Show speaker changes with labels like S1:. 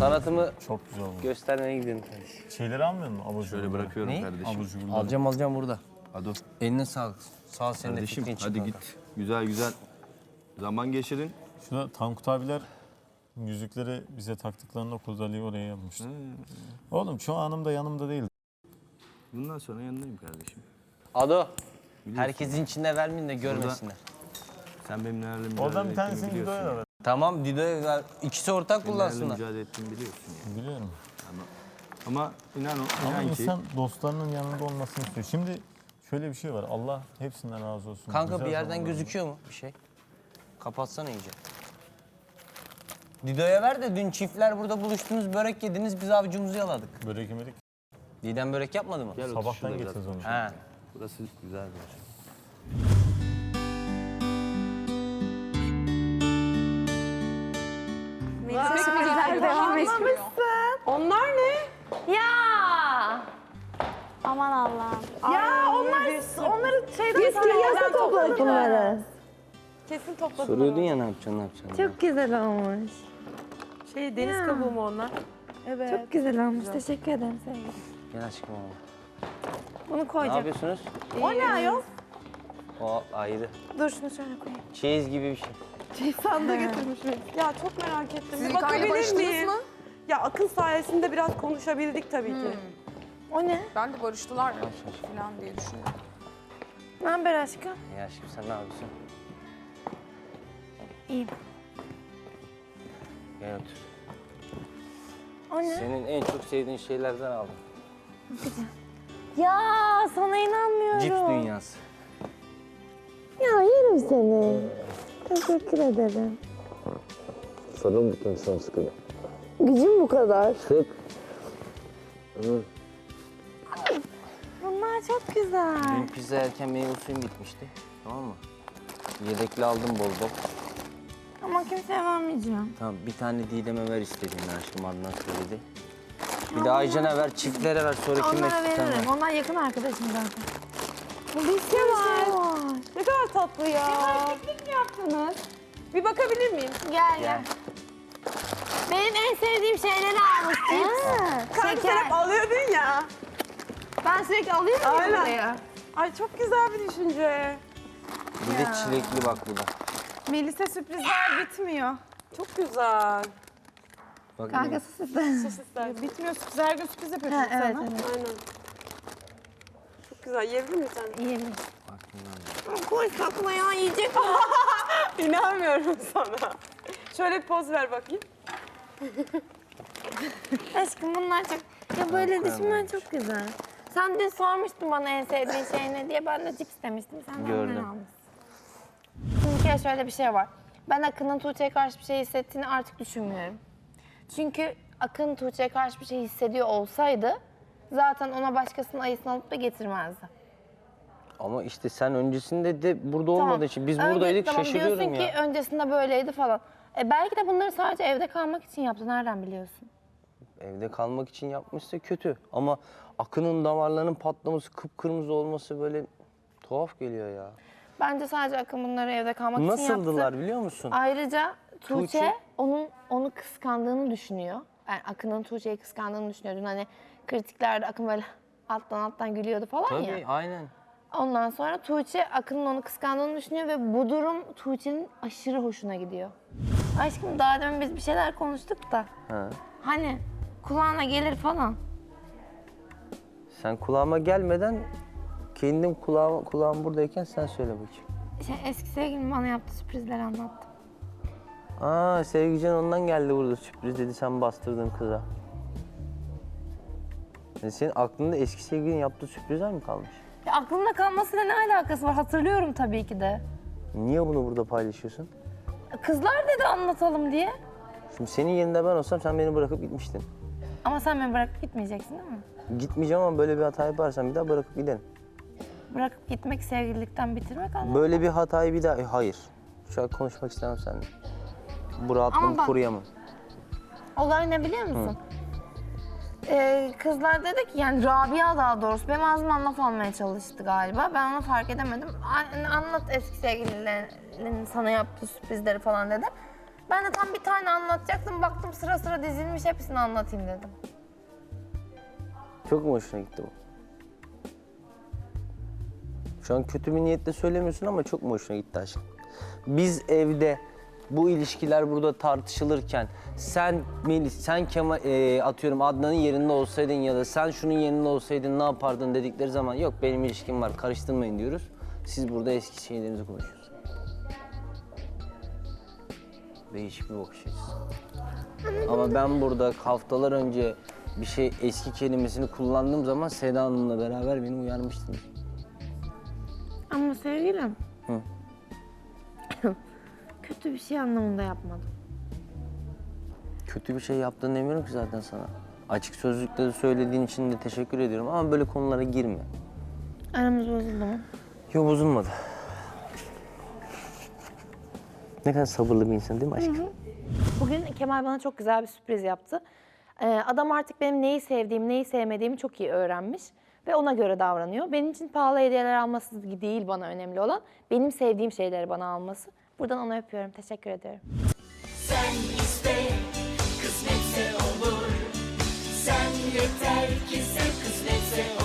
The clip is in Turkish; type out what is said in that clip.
S1: Sanatımı
S2: Çok güzel oldu.
S1: göstermeye gidiyorum kardeşim.
S2: Şeyleri almıyor musun? Abur
S3: Şöyle
S2: cuburları?
S3: bırakıyorum kardeşim.
S2: Abur cuburları.
S1: Alacağım burada.
S3: Hadi o.
S1: Eline sağlık. Sağ ol, senin de
S3: Kardeşim
S1: fikrin
S3: hadi
S1: çıkmadı.
S3: git. Güzel güzel zaman geçirin.
S2: Şurada Tankut abiler yüzükleri bize taktıklarında Kozali'yi oraya yapmıştı. Oğlum şu anım da yanımda değil.
S3: Bundan sonra yanındayım kardeşim.
S1: Ado.
S3: Biliyorsun.
S1: Herkesin içinde vermeyin de görmesinler.
S3: Sen benim nelerle mücadele
S2: Oradan bir
S3: ettiğimi
S2: tanesini
S3: biliyorsun.
S2: videoya da ver.
S1: Tamam Dido'ya ver. İkisi ortak
S3: Nelerle
S1: kullansınlar.
S3: mücadele ettiğimi biliyorsun ya.
S2: Biliyorum.
S3: Ama inan
S2: Ama
S3: ki
S2: insan dostlarının yanında olmasını istiyor. Şimdi şöyle bir şey var. Allah hepsinden razı olsun.
S1: Kanka
S2: Güzel
S1: bir yerden
S2: zamanlar.
S1: gözüküyor mu bir şey? Kapatsana iyice. Dido'ya ver de dün çiftler burada buluştunuz, börek yediniz, biz avucumuzu yaladık.
S2: Börek yemedik.
S1: Didem börek yapmadı mı?
S3: Gel otur
S2: Sabahtan
S3: şurada biraz.
S2: getiririz onu.
S1: He.
S3: Burası güzel bir yer.
S4: Sürprizler devam etmiyor.
S5: Onlar ne?
S4: Ya! Aman Allah'ım.
S5: Ya onları şeyden
S4: Nasıl topladık bunları?
S5: Kesin topladım.
S1: Soruyordun ya ne yapacaksın.
S4: Çok güzel olmuş.
S5: Deniz kabuğu mu onlar? Evet.
S4: Çok güzel olmuş. Teşekkür ederim sevgilim.
S1: Gel aşkım oğlum.
S4: Bunu
S1: Ne
S4: koyacağım.
S1: yapıyorsunuz?
S5: O ne ayol?
S1: O ayrı.
S4: Dur şunu şöyle koyayım.
S1: Çeyiz gibi bir şey.
S5: Sandığı getirmiş. Ya çok merak ettim.
S6: Siz
S5: Bir
S6: yukarıya
S5: bakabilir
S6: barıştınız
S5: miyim?
S6: mı?
S5: Ya Akın sayesinde biraz konuşabildik tabii ki.
S4: O ne?
S6: Ben de barıştılar falan diye düşünüyorum.
S4: Ne haber aşkım?
S1: Ya aşkım sen ne yapıyorsun?
S4: İyiyim.
S1: Gel otur.
S4: O ne?
S1: Senin en çok sevdiğin şeylerden aldım.
S4: Ya sana inanmıyorum.
S1: Cips dünyası.
S4: Ya yerim seni. Teşekkür ederim.
S1: Sarıl bakayım son sıkıda.
S4: Gücüm bu kadar.
S1: Sık.
S4: Bunlar çok güzel.
S1: Dün pizza yerken meyve suyum bitmişti. Tamam mı? Yedekli aldım bol bol.
S4: Ama kimseye vermeyeceğim.
S1: Tamam bir tane Didem'e ver istediğini aşkım Adnan söyledi. Bir de Aycan'a ver, çiftlere ver sonra kime
S4: Onlara
S1: istersen
S4: veririm.
S1: ver.
S4: Onlar yakın arkadaşım zaten. Bu bir şey var.
S5: Ne kadar tatlı ya. Bir bakabilir miyim?
S4: Gel
S1: Gel.
S4: gel. Benim en sevdiğim şeyleri almış cips.
S5: Kanka sen hep alıyordun ya.
S4: Ben sürekli alıyorum ya
S5: Aynen.
S4: buraya.
S5: Ay çok güzel bir düşünce.
S1: Bir de çilekli bak bu da.
S6: Melis'e sürprizler bitmiyor.
S5: Çok güzel.
S1: Bak
S4: Kanka sus istedim.
S5: Sus ister.
S6: Bitmiyor sürpriz. Her gün sürpriz yapıyorsun
S4: Ha, evet
S6: sana.
S4: evet.
S5: Aynen. Çok güzel. Yiyebilir misin sen?
S4: İyi mi?
S1: bak bunlar.
S4: Koy sakla ya yiyecek.
S5: İnanmıyorum sana. Şöyle bir poz ver bakayım.
S4: Aşkım bunlar çok... Ya böyle düşünmen çok güzel. Sen dün sormuştun bana en sevdiğin şey ne diye. Ben de cips demiştim. Sen de
S1: Gördüm.
S4: onları almışsın. Şimdi bir kere şöyle bir şey var. Ben Akın'ın Tuğçe'ye karşı bir şey hissettiğini artık düşünmüyorum. Çünkü Akın Tuğçe'ye karşı bir şey hissediyor olsaydı zaten ona başkasının ayısını alıp da getirmezdi.
S1: Ama işte sen öncesinde de burada olmadığı için biz
S4: Önce-
S1: buradaydık
S4: tamam,
S1: şaşırıyorum
S4: diyorsun
S1: ya.
S4: ki öncesinde böyleydi falan. Belki de bunları sadece evde kalmak için yaptı. Nereden biliyorsun?
S1: Evde kalmak için yapmışsa kötü. Ama Akın'ın damarlarının patlaması, kıpkırmızı olması böyle tuhaf geliyor ya.
S4: Bence sadece Akın bunları evde kalmak için yaptı.
S1: Nasıldılar biliyor musun?
S4: Ayrıca Tuğçe,
S1: Tuğçe-
S4: onu kıskandığını düşünüyor. Yani Akın'ın Tuğçe'yi kıskandığını düşünüyor. Dün hani kritiklerde Akın böyle alttan gülüyordu falan
S1: Tabii
S4: ya.
S1: aynen.
S4: Ondan sonra Tuğçe Akın'ın onu kıskandığını düşünüyor ve bu durum Tuğçe'nin aşırı hoşuna gidiyor. Aşkım daha demin biz bir şeyler konuştuk da.
S1: Ha.
S4: Hani kulağına gelir falan.
S1: Sen kulağıma gelmeden kendim kulağım buradayken sen söyle bakayım.
S4: Eski sevgilim bana yaptığı sürprizleri anlattı.
S1: Aa Sevgican ondan geldi burada sürpriz dedi sen bastırdın kıza. Senin aklında eski sevgilinin yaptığı sürprizler mi kalmış?
S4: Ya aklımda kalmasıyla ne alakası var? Hatırlıyorum tabii ki de.
S1: Niye bunu burada paylaşıyorsun?
S4: Kızlar dedi anlatalım diye.
S1: Şimdi senin yerinde ben olsam sen beni bırakıp gitmiştin.
S4: Ama sen beni bırakıp gitmeyeceksin değil mi?
S1: Gitmeyeceğim ama böyle bir hata yaparsan bir daha bırakıp giderim.
S4: Bırakıp gitmek sevgililikten bitirmek anlamı.
S1: Böyle bir hatayı bir daha... Hayır. Şu an konuşmak istemem seninle. Bu rahatlığımı
S4: Ama bak-
S1: koruyamam.
S4: Olay ne biliyor musun? Kızlar dedi ki yani Rabia daha doğrusu benim ağzımdan laf almaya çalıştı galiba. Ben onu fark edemedim. Anlat eski sevgililerinin sana yaptığı sürprizleri falan dedi. Ben de tam bir tane anlatacaktım. Baktım sıra sıra dizilmiş, hepsini anlatayım dedim.
S1: Çok mu hoşuna gitti bu? Şu an kötü bir niyetle söylemiyorsun ama çok mu hoşuna gitti aşkım? Biz evde bu ilişkiler burada tartışılırken sen Kemal atıyorum Adnan'ın yerinde olsaydın ya da sen şunun yerinde olsaydın ne yapardın dedikleri zaman yok benim ilişkim var karıştırmayın diyoruz. Siz burada eski şeylerinizi konuşuyorsunuz. Değişik bir bakış açısı. Ama ben burada haftalar önce bir şey eski kelimesini kullandığım zaman Seda Hanım'la beraber beni uyarmıştınız.
S4: Ama sevgilim.
S1: Hı.
S4: Kötü bir şey anlamında yapmadım.
S1: Kötü bir şey yaptığını demiyorum ki zaten sana. Açık sözlükte de söylediğin için de teşekkür ediyorum ama böyle konulara girme.
S4: Aramız bozuldu mu?
S1: Yok bozulmadı. Ne kadar sabırlı bir insan değil mi aşkım?
S4: Bugün Kemal bana çok güzel bir sürpriz yaptı. Adam artık benim neyi sevdiğimi, neyi sevmediğimi çok iyi öğrenmiş ve ona göre davranıyor. Benim için pahalı hediyeler alması değil bana önemli olan, benim sevdiğim şeyleri bana alması. Buradan ona öpüyorum, teşekkür ediyorum.
S7: Sen iste, kısmetse olur. Sen yeter ki sen kısmetse olur.